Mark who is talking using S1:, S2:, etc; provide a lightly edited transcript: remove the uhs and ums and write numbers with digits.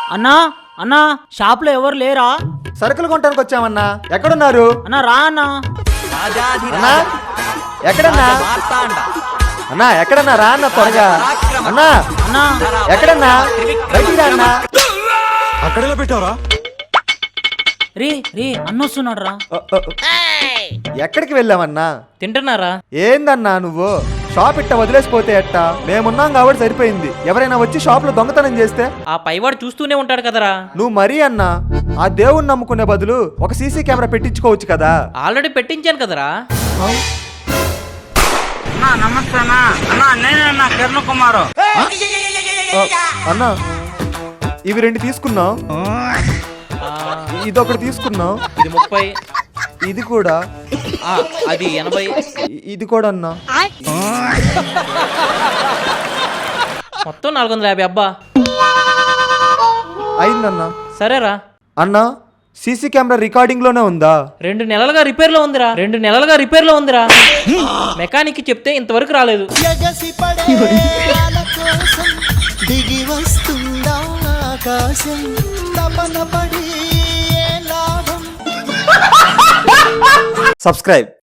S1: అన్నా అన్నా షాప్ లో ఎవరు లేరా?
S2: సరుకులు కొనడానికి వచ్చామన్నా. ఎక్కడున్నారు
S1: అన్నా రా అన్నా.
S2: అన్నా? ఎక్కడన్నా అన్నా? ఎక్కడన్నా రా అన్న త్వరగా. అన్నా
S1: అన్నా
S2: ఎక్కడన్నా? బయటికి రా అన్నా.
S3: అక్కడెలా పెట్టావరా?
S1: రే రే అన్న వస్తున్నాడు రా.
S2: ఎక్కడికి వెళ్ళామన్నా?
S1: తింటున్నారా?
S2: ఏందన్నా నువ్వు షాప్ ఇట్ట వదిలేసిపోతే ఎట్టా? మేమున్నాం కాబట్టి సరిపోయింది. ఎవరైనా వచ్చి షాప్ లో దొంగతనం చేస్తే
S1: ఆ పైవాడు చూస్తూనే ఉంటాడు కదరా.
S2: నువ్వు మరీ అన్నా ఆ దేవుణ్ణి నమ్ముకునే బదులు ఒక సీసీ కెమెరా పెట్టించుకోవచ్చు కదా.
S1: ఆల్రెడీ పెట్టించాను కదరా.
S4: నమస్తే అన్నా, నేనే అన్నా కిరణ్ కుమార్.
S2: అన్నా ఇవి 2 తీసుకున్నాం, ఇదొకటి తీసుకున్నాం,
S1: ఇది 30,
S2: ఇది కూడా,
S1: అది 80,
S2: ఇది కూడా అన్నా.
S1: మొత్తం 450 అబ్బా.
S2: అయిందన్నా.
S1: సరేరా.
S2: అన్నా సీసీ కెమెరా రికార్డింగ్ లోనే ఉందా?
S1: 2 నెలలుగా రిపేర్ లో ఉందిరా. మెకానిక్ చెప్తే ఇంతవరకు రాలేదు.
S5: ఎగసి పడే వాళ్ళ కోసం దిగి వస్తుందా ఆకాశం, తపన పడి ఏ లాభం.
S2: సబ్స్క్రైబ్.